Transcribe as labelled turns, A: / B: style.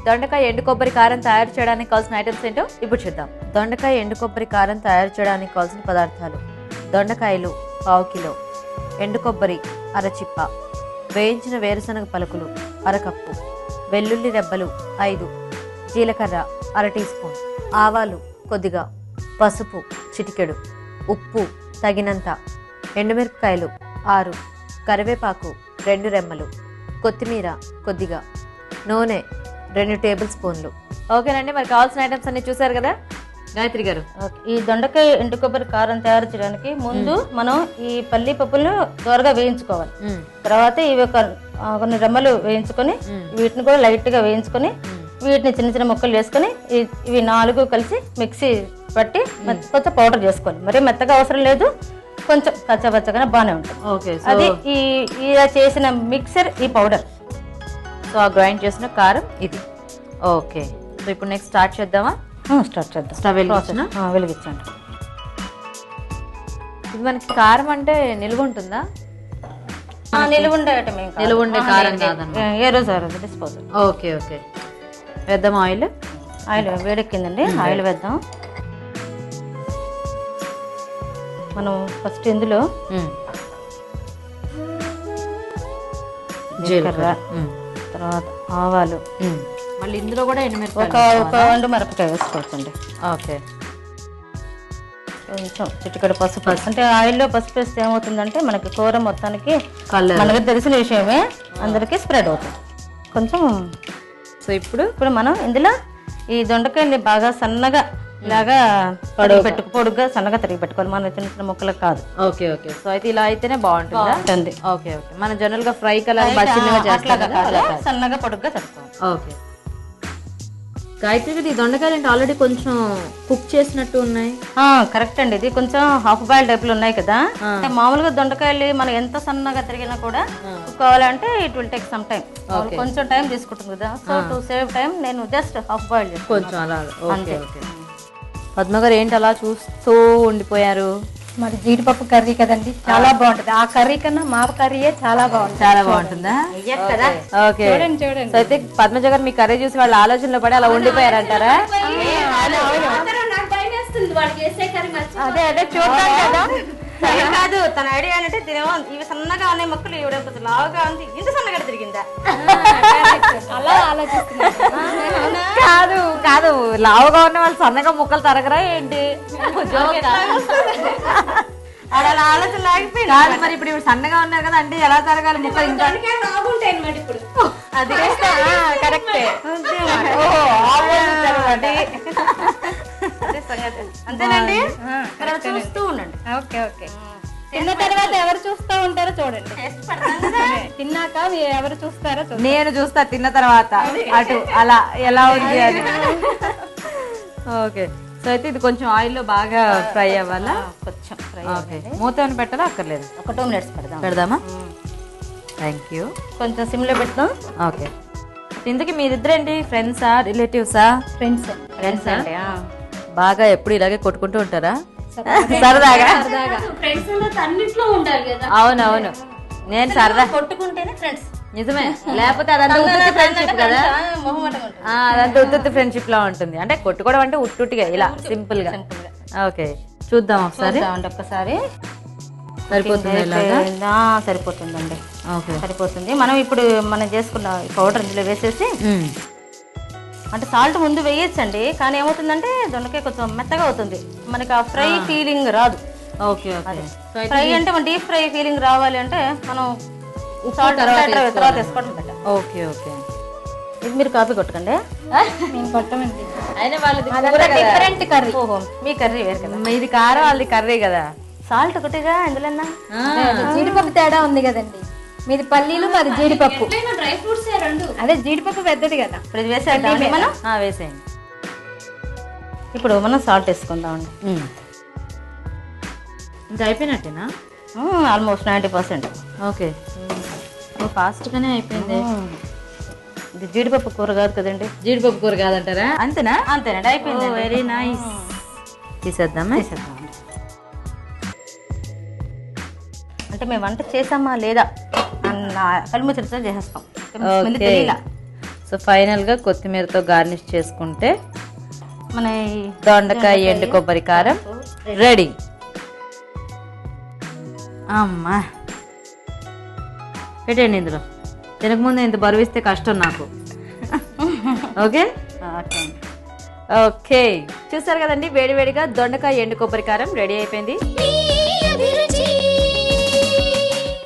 A: దొండకాయ ఎండు కొబ్బరి కారం తయారు చేయడానికి కావాల్సిన ఐటమ్స్ ఏంటో ఇప్పుడు చూద్దాం. దొండకాయ ఎండు కొబ్బరి కారం తయారు చేయడానికి కావాల్సిన పదార్థాలు: దొండకాయలు 1/2 కిలో, ఎండు కొబ్బరి అరచిప్ప, వేయించిన వేరుశనగ పలుకులు 1/2 కప్పు, వెల్లుల్లి రెబ్బలు 5, జీలకర్ర 1/2 టీ స్పూన్, ఆవాలు కొద్దిగా, పసుపు చిటికెడు, ఉప్పు తగినంత, ఎండుమిరపకాయలు 6, కరివేపాకు 2 రెమ్మలు, కొత్తిమీర కొద్దిగా, నూనె 2 టేబుల్ స్పూన్లు. ఓకేనండి, మరి కావాల్సిన ఐటమ్స్ అన్ని చూసారు కదా గాయత్రి గారు.
B: ఈ దొండకాయ ఎండు కొబ్బరి కారం తయారు చేయడానికి ముందు మనం ఈ పల్లి పప్పులను దోరగా వేయించుకోవాలి. తర్వాత ఇవి కొన్ని రెమ్మలు వేయించుకొని వీటిని కూడా లైట్ గా వేయించుకొని వీటిని చిన్న చిన్న ముక్కలు వేసుకొని ఇవి 4 కలిసి మిక్సీ పట్టి కొంచెం పౌడర్ చేసుకోవాలి. మరి మెత్తగా అవసరం లేదు, కొంచెం కచ్చపచ్చగానే బాగానే ఉంటుంది. అది ఇలా చేసిన మిక్సర్ ఈ పౌడర్.
A: సో ఆ గ్రైండ్ చేసిన కారం ఇది. ఓకే, సో ఇప్పుడు నెక్స్ట్ స్టార్ట్ చేద్దామా?
B: స్టార్ట్ చేద్దాం.
A: స్టవ్
B: వెలిగించండి.
A: ఇది మనకి కారం అంటే నిల్వ ఉంటుందా?
B: నిలువ ఉండే ఐటమ్,
A: నిల్వ ఉండే కారం కాదన్నమాట.
B: ఏ రోజు ఆ రోజు డిస్పోజల్.
A: ఓకే ఓకే, వేద్దాం. ఆయిల్
B: వేడెక్కిందండి, ఆయిల్ వేద్దాం. మనం ఫస్ట్ ఇందులో జీలకర్ర, తర్వాత ఆవాలు,
A: మళ్ళీ ఇందులో కూడా
B: ఒక ఎండుమిరపకాయ వేసుకోవచ్చండి.
A: ఓకే,
B: కొంచెం చిటికెడు పసుపు. అంటే ఆయిల్లో పసుపు వేస్తే ఏమవుతుందంటే మనకి కూర మొత్తానికి మనకి తెలిసిన విషయమే, అందరికీ స్ప్రెడ్ అవుతుంది కొంచెం. సో ఇప్పుడు మనం ఇందులో ఈ దొండకాయని బాగా సన్నగా ఇలాగా పొడుగ్గా సన్నగా తరిగి పెట్టుకోవాలి, మన చిన్న చిన్న ముక్కలకు కాదు.
A: ఓకే ఓకే, సో అయితే ఇలా అయితేనే బాగుంటుంది. ఓకే ఓకే, మన జనరల్ గా ఫ్రై కలర్
B: సన్నగా పొడుగ్గా తరుక్కోవాలి.
A: ఓకే గాయత్రి గారు, ఈ దొండకాయలు అంటే ఆల్రెడీ కొంచెం కుక్ చేసినట్టు ఉన్నాయి.
B: కరెక్ట్ అండి, ఇది కొంచెం హాఫ్ బాయిల్ టైప్లు ఉన్నాయి కదా. అంటే మామూలుగా దొండకాయలు మనం ఎంత సన్నగా తిరిగినా కూడా కుక్ అవ్వాలంటే it will take some time, కొంచెం టైం తీసుకుంటుంది కదా. సో టు సేవ్ టైం నేను జస్ట్ హాఫ్ బాయిల్ చేస్తాను
A: కొంచెం అలా. ఓకే ఓకే, పద్మ గారు ఏంటి అలా చూస్తూ ఉండిపోయారు?
C: మరి జీడిపప్పు కర్రీ కదండి, చాలా బాగుంటది. ఆ కర్రీ కన్నా మా కర్రీయే చాలా బాగుంటుంది.
A: చాలా బాగుంటుందా? ఓకే, చూడండి. అయితే పద్మజ గారు మీ కర్రీ చూసి వాళ్ళ ఆలోచనలో పడి అలా ఉండిపోయారంటారా?
B: అదే అదే చూద్దాం కదా. కాదు, తన ఐడియా ఏంటంటే తినేమో ఇవి సన్నగా ఉన్నాయి మొక్కలు, ఇవిడ లావుగా ఉంది, ఇంత సన్నగా తిరిగిందా
C: అలా ఆలోచిస్తున్నా.
A: కాదు కాదు, లావుగా ఉన్న వాళ్ళు సన్నగా ముక్కలు తరగరా ఏంటి?
B: అలా ఆలోచన లాగిపోయింది.
A: కాదు, మరి ఇప్పుడు ఇవి సన్నగా ఉన్నారు కదా, అంటే ఎలా తరగాలి ముక్కలు? ఇంకా
C: ఇప్పుడు
B: అది కరెక్టే, అంతేనండి. చూస్తూ ఉండండి.
C: ఓకే ఓకే, తిన్న తర్వాత ఎవరు చూస్తూ ఉంటారో చూడండి. తిన్నాక ఎవరు చూస్తారో చూడండి.
A: నేను చూస్తా తిన్న తర్వాత అటు అలా ఎలా ఉంది అది. ఓకే, సో అయితే ఇది కొంచెం ఆయిల్లో బాగా ఫ్రై అవ్వాలా?
B: కొంచెం ఫ్రై.
A: ఓకే, మూత ఏమైనా పెట్టాలా? అక్కర్లేదు,
B: ఒక 2 మినిట్స్
A: పెడదామా? Thank you.
B: కొంచెం సిమ్లో పెడతాం.
A: ఓకే, ఇంతకీ మీరిద్దరేంటి ఫ్రెండ్సా రిలేటివ్సా?
C: ఫ్రెండ్స్
B: అంటే
A: బాగా ఎప్పుడు ఇలాగే కొట్టుకుంటూ ఉంటారా సరదాగా? అవునవును, నేను సరదా
B: కొట్టుకుంటేనే ఫ్రెండ్స్,
A: నిజమే. లేకపోతే అదంతా ఉత్తుత్తి ఫ్రెండ్షిప్ కదా, అదంతా ఉత్తుత్తి ఫ్రెండ్షిప్ లా ఉంటుంది. అంటే కొట్టుకోవడం అంటే ఉట్టుగా ఇలా సింపుల్ గా. ఓకే, చూద్దాం ఒకసారి.
B: ఒక్కసారి సరిపోతుందండి.
A: ఓకే,
B: సరిపోతుంది. మనం ఇప్పుడు మనం చేసుకున్న పౌడర్ ఇందులో వేసేసి, అంటే సాల్ట్ ముందు వేయచ్చండి, కానీ ఏమవుతుందంటే దొండకాయ కొంచెం మెత్తగా అవుతుంది, మనకి ఆ ఫ్రై ఫీలింగ్ రాదు.
A: ఓకే ఓకే,
B: ఫ్రై అంటే మన డీప్ ఫ్రై ఫీలింగ్ రావాలి అంటే మనం సాల్ట్ తర్వాత వేసుకోవడం బెటర్.
A: ఓకే ఓకే,
B: ఇది మీరు కాపీ కొట్టకండి,
C: మేము కొట్టమండి.
A: అయినా వాళ్ళది
C: డిఫరెంట్ కర్రీ.
B: ఓహో, మీ కర్రీ వేరు కదా,
A: ఇది కారం వాళ్ళది కర్రీ కదా.
B: సాల్ట్ ఒకటిగా ఇందులో
C: జీడిపప్పు తేడా ఉంది కదండి, మీది పల్లీలు మాది జీడిపప్పు.
D: డ్రై ఫ్రూట్స్
C: అదే జీడిపప్పు పెద్దది కదా.
B: ఇప్పుడు ఇది వేసేయండి మనం.
A: వేసేయండి.
B: ఇప్పుడు మనం సాల్ట్ వేసుకుందామండి.
A: ఇంకా అయిపోయినట్టేనా?
B: ఆల్మోస్ట్ 90%.
A: ఓకే, ఫాస్ట్గానే అయిపోయింది.
B: ఇది జీడిపప్పు కూర కాదు కదండి.
A: జీడిపప్పు కూర కాదంటారా? అంతేనా?
B: అంతేనండి, అయిపోయింది.
A: Very nice. తీసేద్దామా?
B: అంటే మేము వంట చేసామా లేదా అన్న కలుము చర్చ చేసేస్తాం.
A: సో ఫైనల్గా కొత్తిమీరతో గార్నిష్ చేసుకుంటే
B: మన ఈ
A: దొండకాయ ఎండు కొబ్బరి కారం రెడీ. అమ్మా పెట్టండి ఇందులో. తినకముందు ఇంత బరువు ఇస్తే కష్టం నాకు. Okay
B: okay.
A: ఓకే చూసారు కదండి, వేడివేడిగా దొండకాయ ఎండు కొబ్బరి కారం రెడీ అయిపోయింది.